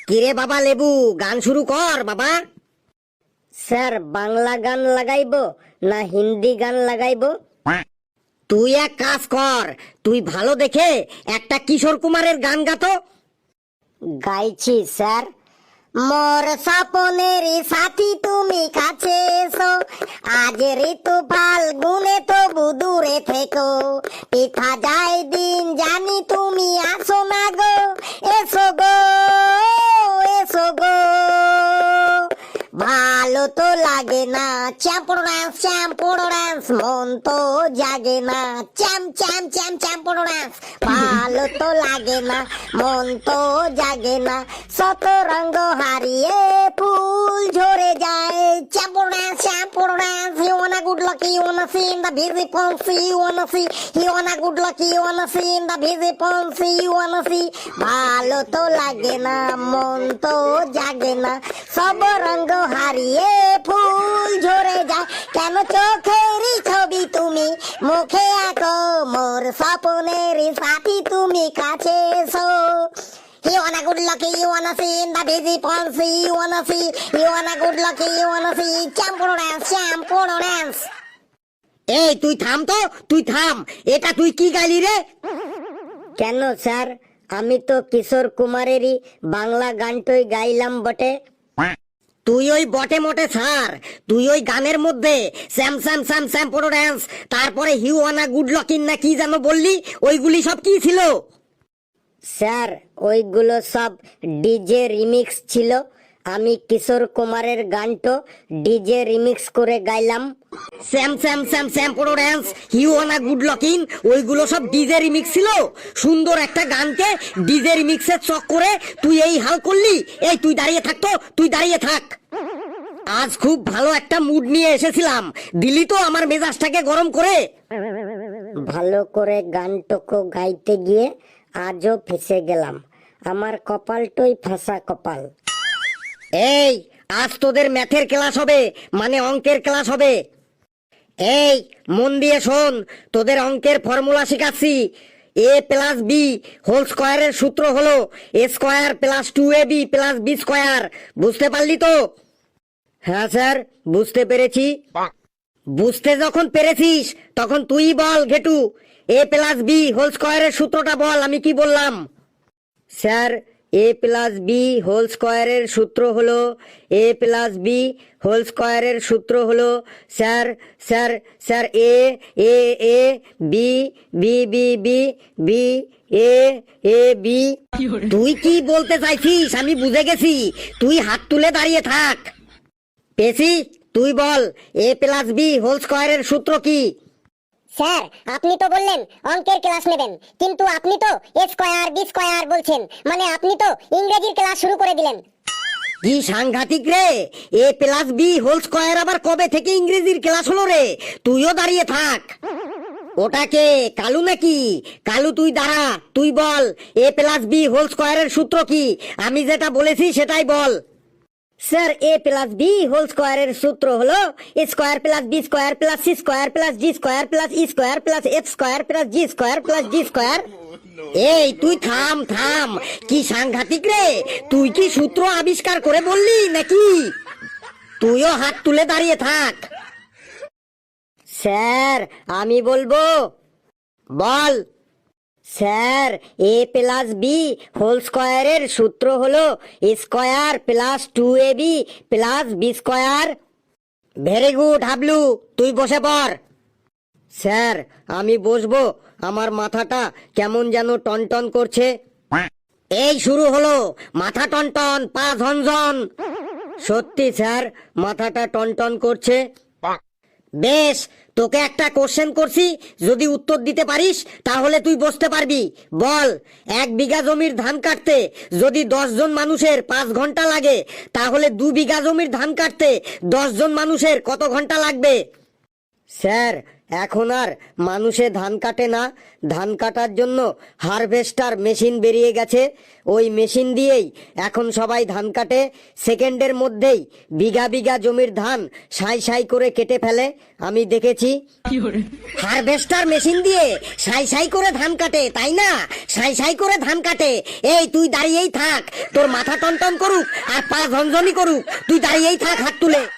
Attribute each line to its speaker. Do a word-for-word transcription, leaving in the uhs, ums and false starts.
Speaker 1: কিরে বাবা লেবু, গান শুরু কর বাবা।
Speaker 2: স্যার বাংলা গান লাগাইবো না হিন্দি গান লাগাইবো?
Speaker 1: তুই এক কাজ কর, তুই ভালো দেখে একটা কিশোর কুমারের গান গাতো।
Speaker 2: গাইছি স্যার। মোর স্বপনের সাথী তুমি কাছে এসো, আজ ঋতু ফাল্গুনে তবু দূরে থেকো, পিঠা যায় দিন জানি তুমি আসো না গো, এসো গো এসো গো। ভালো তো লাগে না চ্যাম্পুর ডান্স চ্যাম্পুর ডান্স, মন তো জাগে না চ্যাম চ্যাম চ্যাম চ্যাম্পুর ডান্স। ভালো তো লাগে না মন তো জাগে না, শত রঙ্গ হারিয়ে ফুল ঝরে যায়। চ্যাম্পুর ডান্স চ্যাম্পুর dance, you wanna good lucky, you wanna see in the busy poncy, you wanna see, you wanna good lucky, you wanna see in the busy poncy, you wanna see। ভালো তো লাগে না মন তো জাগে না, সব রঙ্গ হারিয়ে ফুল ঝরে যায়। কেন চোখেরই ছবি তুমি মুখে আঁকো, মোর স্বপ্নের সাথী তুমি কাছে এসো। You wanna good lucky, you wanna see in the busy poncy, you wanna see, you wanna good lucky, you wanna see, champuro dance, champuro dance।
Speaker 1: এই তুই থাম তো, তুই থাম, এটা তুই কি গাইলি রে?
Speaker 2: কেন স্যার, আমি তো কিশোর কুমারেরই বাংলা গানটাই গাইলাম বটে।
Speaker 1: তুই ওই বটে মোটে স্যার, তুই ওই গানের মধ্যে স্যাম স্যাম স্যাম স্যাম পোড়ো ড্যান্স, তারপরে হিউ ওয়ানা গুড লকিন না কি যেন বললি, ওইগুলি সব কি ছিল?
Speaker 2: স্যার ওইগুলো সব ডিজে রিমিক্স ছিল, আমি কিশোর কুমারের গানটো ডিজে রিমিক্স করে গাইলাম।
Speaker 1: স্যাম স্যাম স্যাম স্যাম পোড়ো dance, you wanna good looking, ওইগুলো সব ডিজে রিমিক্স ছিল। সুন্দর একটা গানকে ডিজে রিমিক্সের চক করে তুই এই হাল করলি। এই তুই দাঁড়িয়ে থাক তো, তুই দাঁড়িয়ে থাক। আজ খুব ভালো একটা মুড নিয়ে এসেছিলাম, দিলি তো আমার মেজাজটাকে গরম করে।
Speaker 2: ভালো করে গানটুকু গাইতে গিয়ে আজও ফেসে গেলাম, আমার কপালটাই ফাঁসা কপাল।
Speaker 1: এই আজ তোদের ম্যাথের ক্লাস হবে, মানে অঙ্কের ক্লাস হবে। এই মন দিয়ে শোন, তোদের অঙ্কের ফর্মুলা শিখাচ্ছি। এ প্লাস বি হোল স্কোয়ারের সূত্র হলো A square plus two A B plus B square. বুঝতে পারলি তো? হ্যাঁ স্যার, বুঝতে পেরেছি। বুঝতে যখন পেরেছিস তখন তুই বল ঘেটু, এ প্লাস বি হোল স্কোয়ারের সূত্রটা বল, আমি কি বললাম?
Speaker 2: Sir A plus B whole স্কোয়ারের সূত্র হলো, এ প্লাস বি হোল স্কোয়ারের সূত্র হলো sir sir sir A A A B B B B B A A B.
Speaker 1: তুই কি বলতে চাইছিস আমি বুঝে গেছি, তুই হাত তুলে দাঁড়িয়ে থাক। পেছি, তুই বল এ প্লাস বি হোল স্কোয়ারের সূত্র কি?
Speaker 3: স্যার আপনি তো বললেন অঙ্কের ক্লাস নেবেন, কিন্তু আপনি তো এ স্কয়ার বি স্কয়ার বলছেন, মানে আপনি তো ইংরেজির ক্লাস শুরু করে দিলেন।
Speaker 1: কি সাংঘাতিক রে, A plus B whole square আবার কবে থেকে ইংরেজির ক্লাস হলো রে? তুইও দাঁড়িয়ে থাক। ওটাকে কালু নাকি? কালু তুই দাঁড়া, তুই বল এ প্লাস বি হোল স্কোয়ারের সূত্র কি? আমি যেটা বলেছি সেটাই বল।
Speaker 2: Sir A plus B whole স্কোয়ারের সূত্র হলো A square plus B square plus C square plus D square plus E square plus F square plus G square plus D square.
Speaker 1: এই তুই থাম থাম, কি সাংঘাতিক রে, তুই কি সূত্র আবিষ্কার করে বললি নাকি? তুইও হাত তুলে দাঁড়িয়ে থাক।
Speaker 2: স্যার আমি বলবো।
Speaker 1: বল।
Speaker 2: Sir A plus B whole স্কোয়ারের সূত্র হলো A square plus two A B plus B square.
Speaker 1: Very good Hablu, তুই বসে পড়।
Speaker 2: স্যার আমি বসবো, আমার মাথাটা কেমন যেন টনটন করছে।
Speaker 1: এই শুরু হলো, মাথা টনটন পা ঝনঝন।
Speaker 2: সত্যি স্যার মাথাটা টনটন করছে।
Speaker 1: বেশ, তোকে একটা কোশ্চেন করছি, যদি উত্তর দিতে পারিস তাহলে তুই বসতে পারবি। বল, এক বিঘা জমির ধান কাটতে যদি দশ জন মানুষের পাঁচ ঘন্টা লাগে, তাহলে দু বিঘা জমির ধান কাটতে দশ জন মানুষের কত ঘন্টা লাগবে?
Speaker 2: স্যার
Speaker 1: এখন আর মানুষে ধান কাটে না, ধান কাটার জন্য হারভেস্টার মেশিন বেরিয়ে গেছে। ওই মেশিন দিয়েই এখন সবাই ধান কাটে। সেকেন্ডের মধ্যেই বিঘা বিঘা জমির ধান সাই সাই করে কেটে ফেলে, আমি দেখেছি। হারভেস্টার মেশিন দিয়ে সাই সাই করে ধান কাটে, তাই না? সাই সাই করে ধান কাটে। এই তুই দাঁড়িয়েই থাক, তোর মাথা টনটন করুক আর পা ঝনঝনি করুক, তুই দাঁড়িয়েই থাক হাত তুলে।